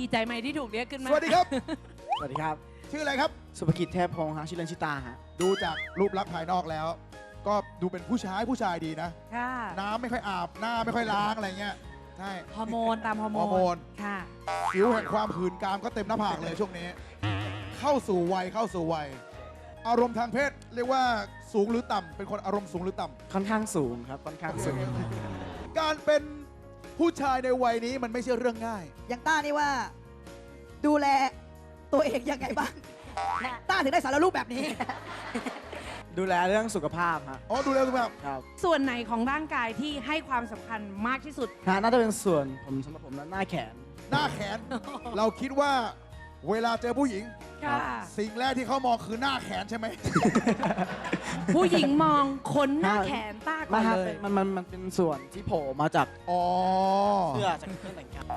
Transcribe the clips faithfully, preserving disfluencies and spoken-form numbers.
ใจไหมที่ถูกเรียกขึ้นมาสวัสดีครับสวัสดีครับชื่ออะไรครับสุภกิจเทพพงษ์ฮะชื่อเล่นชิตาฮะดูจากรูปลักษณ์ภายนอกแล้ว ก็ดูเป็นผู้ชายผู้ชายดีนะค่ะน้ำไม่ค่อยอาบหน้าไม่ค่อยล้างอะไรเงี้ยใช่ฮอร์โมนตามฮอร์โมฮอร์โมนค่ะผิวแห่งความหื่นกามก็เต็มหน้าผากเลยช่วงนี้ เข้าสู่วัยเข้าสู่วัย อารมณ์ทางเพศเรียกว่าสูงหรือต่ำเป็นคนอารมณ์สูงหรือต่ำค่อนข้างสูงครับค่อนข้างสูงการเป็นผู้ชายในวัยนี้มันไม่ใช่เรื่องง่ายอย่างต้านี่ว่าดูแลตัวเองยังไงบ้าง ต้าถึงได้สารรูปแบบนี้ดูแลเรื่องสุขภาพฮะอ๋อดูแลสุขภาพครับส่วนไหนของร่างกายที่ให้ความสำคัญมากที่สุดฮะน่าจะเป็นส่วนผมสำหรับผมนะหน้าแขนหน้าแขน เราคิดว่าเวลาเจอผู้หญิงค่ะสิ่งแรกที่เขามองคือหน้าแขนใช่ไหมผู้หญิงมองคนหน้าแขนต้าก่มาอนฮะเลยมันมันมันเป็นส่วนที่โผล่มาจากอ๋อเสื้อจากเครื่องแต่งกาย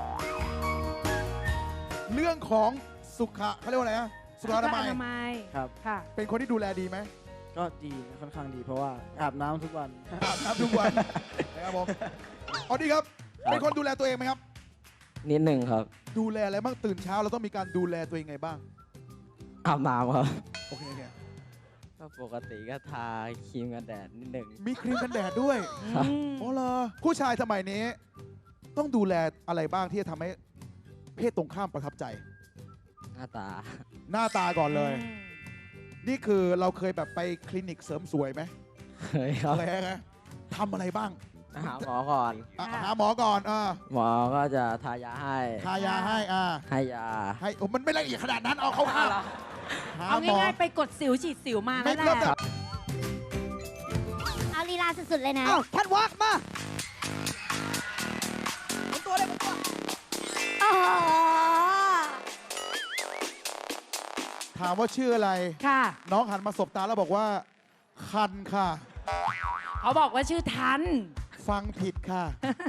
เรื่องของสุขะเขาเรียกว่าอะไรนะสุขอนามัยสุขมัยครับค่ะเป็นคนที่ดูแลดีไหมก็ดีค่อนข้างดีเพราะว่าอาบน้ำทุกวันอาบน้ำทุกวันนะครับผมอ๋อดีครับ เป็นคนดูแลตัวเองไหมครับนิดหนึ่งครับดูแลอะไรบ้างตื่นเช้าเราต้องมีการดูแลตัวเองไงบ้างอาบน้ำครับโอเคโอเคก็ปกติก็ทาครีมกันแดดนิดหนึ่งมีครีมกันแดดด้วยครับอืมอ๋อเหรอผู้ชายสมัยนี้ ต้องดูแลอะไรบ้างที่จะทำให้เพศตรงข้ามประทับใจหน้าตาหน้าตาก่อนเลย นี่คือเราเคยแบบไปคลินิกเสริมสวยไหมเคยครับเคยไหมทำอะไรบ้างหาหมอก่อนอ่ะหาหมอก่อนอ่าหมอก็จะทายาให้ทายาให้อ่าให้ยาให้โอ้มันไม่ละเอียดขนาดนั้นเอาเข้าข้าวหาเอาหมอง่ายๆไปกดสิวฉีดสิวมาไม่นั่นแหเริ่มละจากเอาลีลาสุดๆเลยนะเอ้าแคทวอล์กมาหมุนตัวเลยหมุนตัวโอ้โหถามว่าชื่ออะไรค่ะน้องหันมาสบตาแล้วบอกว่า คันค่ะเขาบอกว่าชื่อทันฟังผิดค่ะ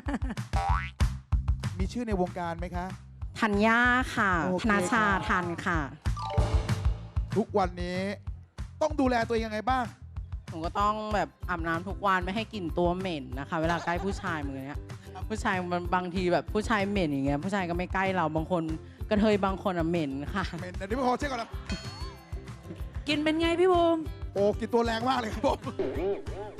มีชื่อในวงการไหมคะธัญญาค่ะโอเคธนาชาครับทันค่ะทุกวันนี้ต้องดูแลตัวเองยังไงบ้างหนูก็ต้องแบบอาบน้ำทุกวันไม่ให้กลิ่นตัวเหม็นนะคะ เวลาใกล้ผู้ชายมือเนี้ยผู้ชายมันบางทีแบบผู้ชายเหม็นอย่างเงี้ยผู้ชายก็ไม่ใกล้เราบางคนกระเทยบางคนอ่ะเหม็นค่ะเมนเดี๋ยวพี่ขอเช็คก่อนนะกินเป็นไงพี่บูมโอ้กินตัวแรงมากเลยครับผม